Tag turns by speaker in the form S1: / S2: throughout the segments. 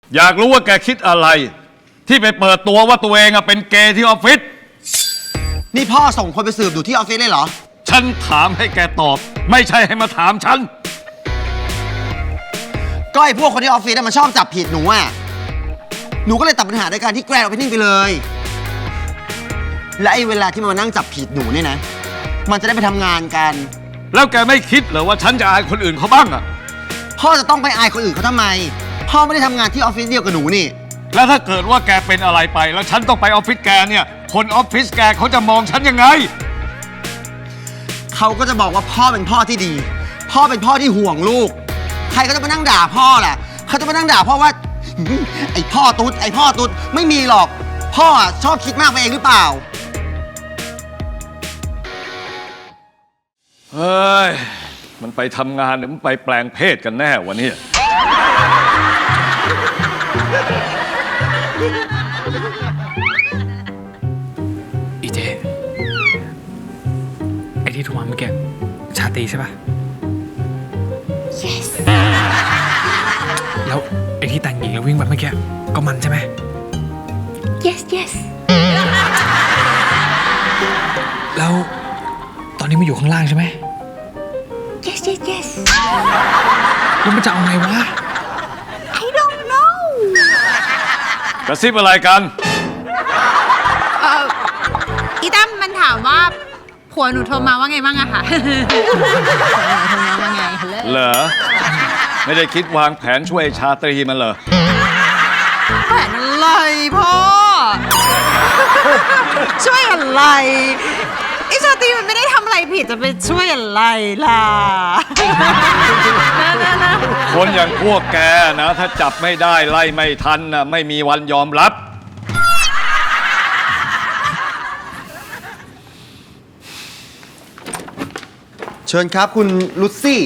S1: อยากรู้ว่าแกคิดอะไรที่ไปเปิดตัวว่าตัวเองเป็นเกย์ที่ออฟฟิศ
S2: นี่พ่อส่งคนไปสืบดูที่ออฟฟิศเลยเหรอ
S1: ฉันถามให้แกตอบไม่ใช่ให้มาถามฉัน
S2: ก็ไอ้พวกคนที่ออฟฟิศมันชอบจับผิดหนูหนูก็เลยตัดปัญหาด้วยการที่แกรนด์ออฟฟิศไปเลยและไอ้เวลาที่มันมานั่งจับผิดหนูเนี่ยนะมันจะได้ไปทำงานกัน
S1: แล้วแกไม่คิดเหรอว่าฉันจะอายคนอื่นเขาบ้างอะ
S2: พ่อจะต้องไปอายคนอื่นเขาทำไมพ่อไม่ได้ทำงานที่ออฟฟิศเดียวกับหนูนี่
S1: แล้วถ้าเกิดว่าแกเป็นอะไรไปแล้วฉันต้องไปออฟฟิศแกเนี่ยคนออฟฟิศแกเขาจะมองฉันยังไง
S2: เขาก็จะบอกว่าพ่อเป็นพ่อที่ดีพ่อเป็นพ่อที่ห่วงลูกใครก็จะมานั่งด่าพ่อแหละเขาจะมานั่งด่าพ่อว่าไอ้พ่อตุ๊ดไอ้พ่อตุ๊ดไม่มีหรอกพ่อชอบคิดมากไปเองหรือเปล่า
S1: เฮ้ยมันไปทำงานหรือมันไปแปลงเพศกันแน่วะเนี่ย
S3: อีเจไอที่โทรมาเมื่อกี้ชาตรีใช่ปะ
S4: yes
S3: แล้วไอที่แต่งหญิงแล้ววิ่งไปเมื่อกี้ก็มันใช่ไหม
S4: yes yes
S3: แล้วตอนนี้มันอยู่ข้างล่างใช่ไหม
S4: yes yes yes
S3: แล้วมันจะเอาไงวะ
S4: I don't know
S1: กระซิบอะไรกัน
S4: อีตั้มมันถามว่าผัวหนูโทรมาว่าไงบ้างอะคะโทรมาว่าไง
S1: เหรอไม่ได้คิดวางแผนช่วยชาตรีมันเหรอ
S4: แผนอะไรพ่อช่วยอะไรไอ้ชาตรีมันไม่ได้ทำอะไรผิดจะไปช่วยอะไรล่ะ
S1: คนอย่างพวกแกนะถ้าจับไม่ได้ไล่ไม่ทันนะไม่มีวันยอมรับ
S2: เชิญครับคุณลุซี่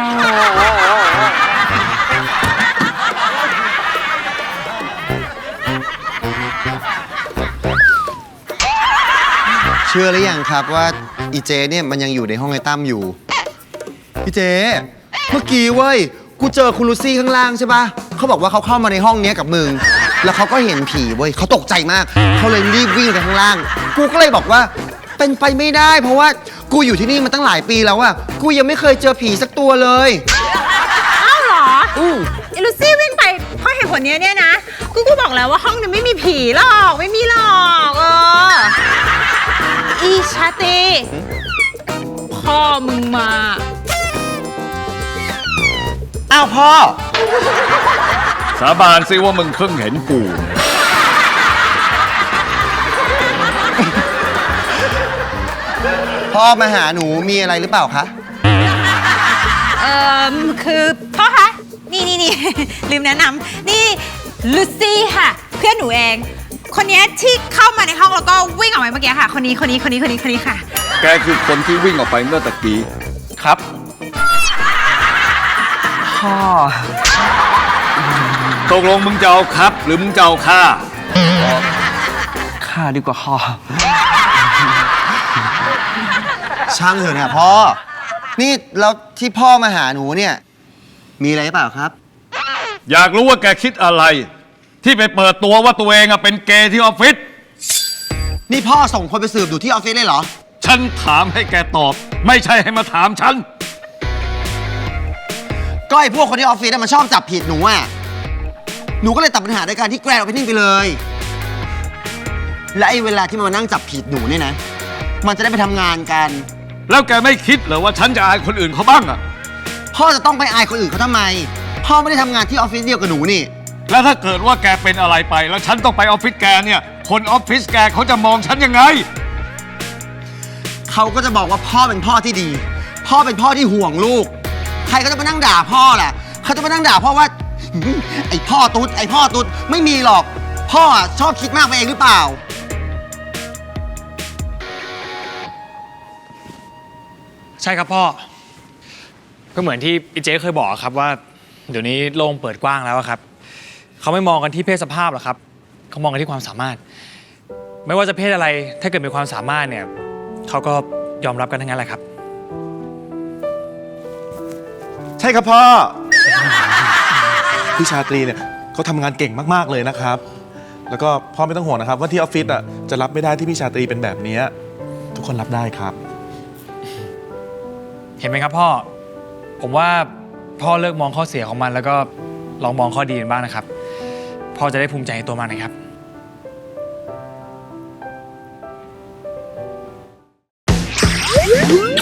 S2: เชื่อหรือยังครับว่าอีเจเนี่ยมันยังอยู่ในห้องไอ้ตั้มอยู่อีเจเมื่อกี้เว้ยกูเจอคุณลุซี่ข้างล่างใช่ปะเขาบอกว่าเขาเข้ามาในห้องนี้กับมึงแล้วเขาก็เห็นผีเว้ยเขาตกใจมากเขาเลยรีบวิ่งไปข้างล่างกูก็เลยบอกว่าเป็นไปไม่ได้เพราะว่ากูอยู่ที่นี่มาตั้งหลายปีแล้วอะกูยังไม่เคยเจอผีสักตัวเลย
S4: อ้าวเหรอไอ้ลูซี่วิ่งไปเพราะเหตุผลนี้เนี่ยนะกูบอกแล้วว่าห้องนี้ไม่มีผีหรอกไม่มีหรอกอีชาตีพ่อมึงมา
S2: อ้าวพ่อ
S1: สาบานซิว่ามึงเพิ่งเห็นกู
S2: พ่อมาหาหนูมีอะไรหรือเปล่าคะ
S4: คือพ่อคะนี่ลืมแนะนำนี่ลูซี่ค่ะเพื่อนหนูเองคนนี้ที่เข้ามาในห้องแล้วก็วิ่งออกไปเมื่อกี้ค่ะคนนี้ค่ะ
S1: แกคือคนที่วิ่งออกไปเมื่อตะกี้
S2: ครับพ่อ
S1: ตกลงมึงจะเอาครับหรือมึงจะเอาฆ่า
S2: ดีกว่าพ่อช่างเถอะนะพ่อนี่แล้วที่พ่อมาหาหนูเนี่ยมีอะไรหรือเปล่าครับ
S1: อยากรู้ว่าแกคิดอะไรที่ไปเปิดตัวว่าตัวเองเป็นเกย์ที่ออฟฟิศ
S2: นี่พ่อส่งคนไปสืบดูที่ออฟฟิศเลยเหรอ
S1: ฉันถามให้แกตอบไม่ใช่ให้มาถามฉัน
S2: ก็ไอ้พวกคนที่ออฟฟิศมันชอบจับผิดหนูหนูก็เลยตัดปัญหาด้วยการที่แกรนด์ออฟฟิศไปเลยและไอ้เวลาที่มันมานั่งจับผิดหนูเนี่ยนะมันจะได้ไปทำงานกัน
S1: แล้วแกไม่คิดเหรอว่าฉันจะอายคนอื่นเขาบ้างอะ
S2: พ่อจะต้องไปอายคนอื่นเขาทำไมพ่อไม่ได้ทำงานที่ออฟฟิศเดียวกับหนูนี่
S1: แล้วถ้าเกิดว่าแกเป็นอะไรไปแล้วฉันต้องไปออฟฟิศแกเนี่ยคนออฟฟิศแกเขาจะมองฉันยังไง
S2: เขาก็จะบอกว่าพ่อเป็นพ่อที่ดีพ่อเป็นพ่อที่ห่วงลูกใครก็จะมานั่งด่าพ่อแหละเขาจะมานั่งด่าพ่อว่าไอ้พ่อตุ๊ดไอ้พ่อตุ๊ดไม่มีหรอกพ่อชอบคิดมากไปเองหรือเปล่า
S3: ใช่ครับพ่อก็เหมือนที่อีเจเคยบอกครับว่าเดี๋ยวนี้โลกเปิดกว้างแล้วครับเขาไม่มองกันที่เพศสภาพหรอกครับเขามองกันที่ความสามารถไม่ว่าจะเพศอะไรถ้าเกิดมีความสามารถเนี่ยเขาก็ยอมรับกันทั้งนั้นแหละครับ
S2: ใช่ครับพ่อพี่ชาตรีเนี่ย
S5: เขาทำงานเก่งมากๆเลยนะครับ แล้วก็พ่อไม่ต้องห่วงนะครับว่าที่ออฟฟิศจะรับไม่ได้ที่พี่ชาตรีเป็นแบบนี้ทุกคนรับได้ครับ
S3: เห็นไหมครับพ่อ ผมว่าพ่อเลิกมองข้อเสียของมันแล้วก็ลองมองข้อดีกันบ้างนะครับ พ่อจะได้ภูมิใจในตัวมันนะครับ